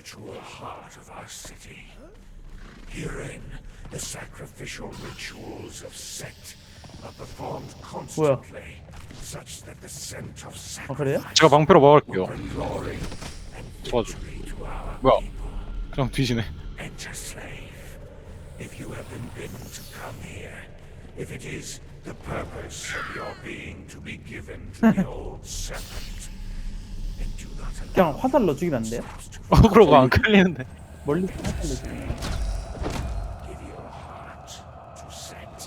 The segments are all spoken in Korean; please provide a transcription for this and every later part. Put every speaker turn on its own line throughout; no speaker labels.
spiritual heart of our city. Herein, the sacrificial rituals of Set are performed constantly, such that the scent of
아 그래요?
sacrifice
제가 방패로 막을게요.
bring glory and
도와줘.
victory to our
뭐야?
people.
그냥 뒤지네.
Enter, slave. If you have been bidden to come here, if it is the purpose of your being to be given to the old serpent, then do not
그냥
allow
화살로 죽이면 안 돼요?
themselves to
어그로가 안 끌리는데.
멀리서 화살로 죽이면
give your heart to Set.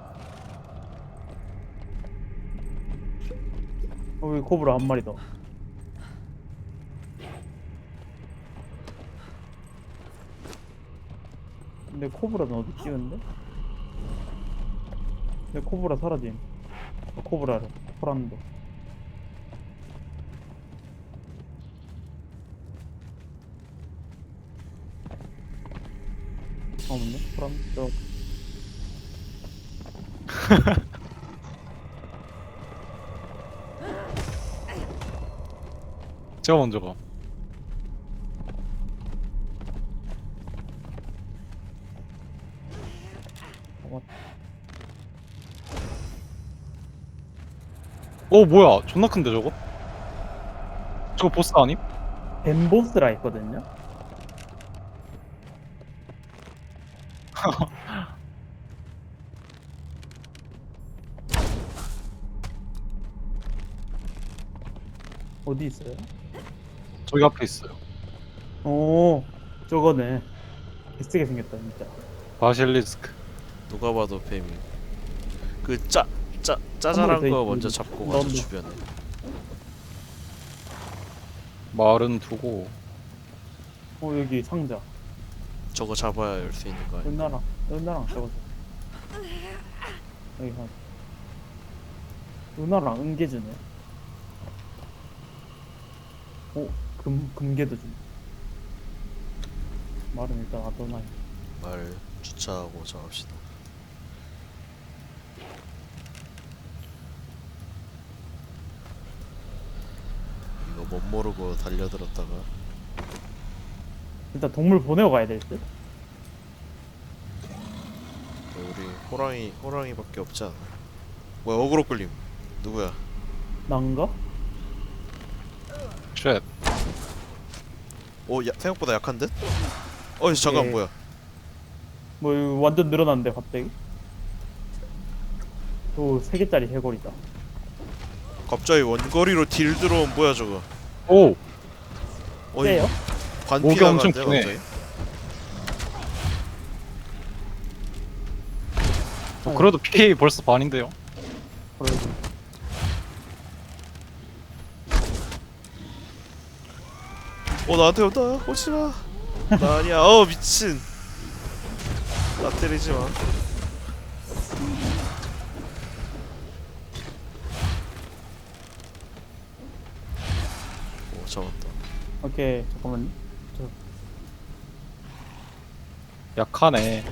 여기 코브라 한 마리 더. 근데 코브라는 어디 찍은데? 내 코브라 사라짐. 코브라를 포란도. 없네 포란도.
제가 먼저 가. 뭐야? 존나 큰데 저거? 저거 보스 아님?
벤보스라 있거든요. 어디 있어요?
저기 앞에 있어요.
오, 저거네. 개쓰게 생겼다 진짜.
바실리스크.
누가 봐도 뱀이. 그 짜잘한
돼
거
있고,
먼저 잡고 가죠
넣으면 돼.
주변에.
말은 두고.
여기 상자.
저거 잡아야 열 수 있는 거 아니야?
은나랑 저거. 여기 한. 은나랑 은계 주네. 금계도 주네. 말은 일단 놔둬놔요.
말 주차하고 정합시다. 이거 못 모르고 달려들었다가
일단 동물 보내고 가야 될 듯.
우리 호랑이밖에 없지 않아? 뭐야 어그로 끌림? 누구야?
난가?
쉣.
생각보다 약한 듯? 잠깐
예.
뭐야?
뭐 이거 완전 늘어났는데 갑자기? 또 3개짜리 해골이다.
갑자기 원거리로 딜 들어온 뭐야 저거?
오!
세요?
관피
목이 엄청
나가는데
기네.
갑자기?
그래도 피 벌써 반인데요.
그래도
나한테 온다. 오지마. 나 아니야. 미친. 나 때리지 마. 잡았다.
오케이 잠깐만요.
약하네.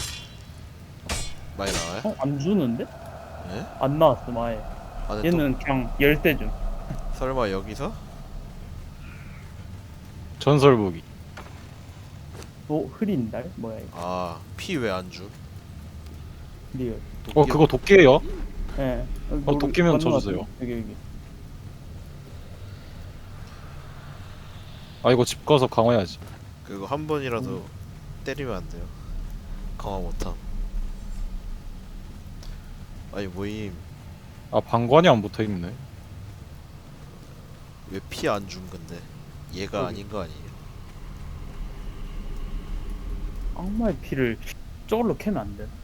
많이 나와요?
안 주는데?
예?
안 나왔음 아예.
안에
얘는 그냥 열대 줌.
또 설마 여기서?
전설 무기.
흐린 달? 뭐야 이거?
피 왜 안 주?
리얼.
그거 도끼예요?
예.
도끼면
맞는 것
줘주세요.
같은데. 여기.
아 이거 집 가서 강화해야지.
그거 한 번이라도 때리면 안 돼요. 강화 못함. 아니 모임
아 방관이 안 붙어 있네.
왜 피 안 준 건데? 얘가
여기.
아닌 거 아니에요?
악마의 피를 저걸로 캐면 안 돼.